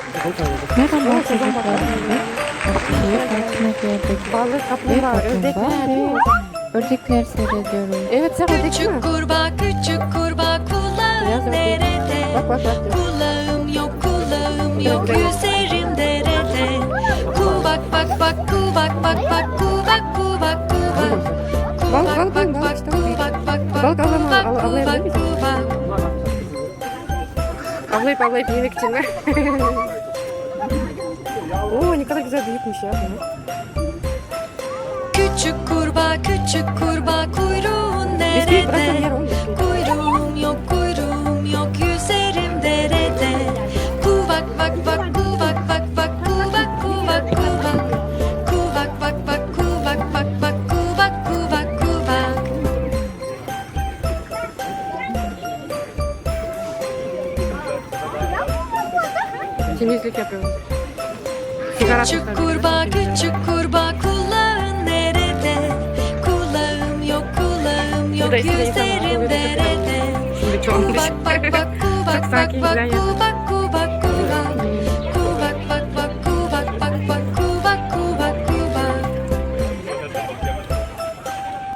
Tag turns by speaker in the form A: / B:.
A: Merhaba çocuklar. Şehir parkına geldik.
B: Balık, kaplumbağa, ördekler.
A: Ördekler seyrediyoruz.
B: Evet sen ördek değil mi?
C: Küçük kurbağa kulağın nerede?
B: Bak bak bak.
C: Kulağım yok yüzerim derede. Kuvak bak bak kuvak bak bak kuvak kuvak kuvak. Kuvak bak bak kuvak bak bak kuvak kuvak kuvak.
B: Avlayıp yemek için ver. Oo ne kadar güzel büyükmüş ya.
C: Küçük kurbağa kuyruğun
B: Bisküvi bıraksan yer
C: nerede?
B: oğlum.
C: Kuyruğum yok yüzerim derede. Kuvak bak bak kuvak bak bak kuvak kuvak kuvak. Kuvak bak bak kuvak bak bak kuvak kuvak kuvak.
B: Temizlik yapıyoruz. Sigara
C: Küçük
B: tutar.
C: kurbağa kulağın nerede? Kulağım yok
B: Bu da eskiden insanlar
C: yüzerim
B: oluyordu.
C: derede.
B: Şimdi çoğalmış.
C: Kuvak bak bak
B: Çok
C: kuvak
B: sakin
C: bak
B: güzel
C: bak
B: yapıyor.
C: kuvak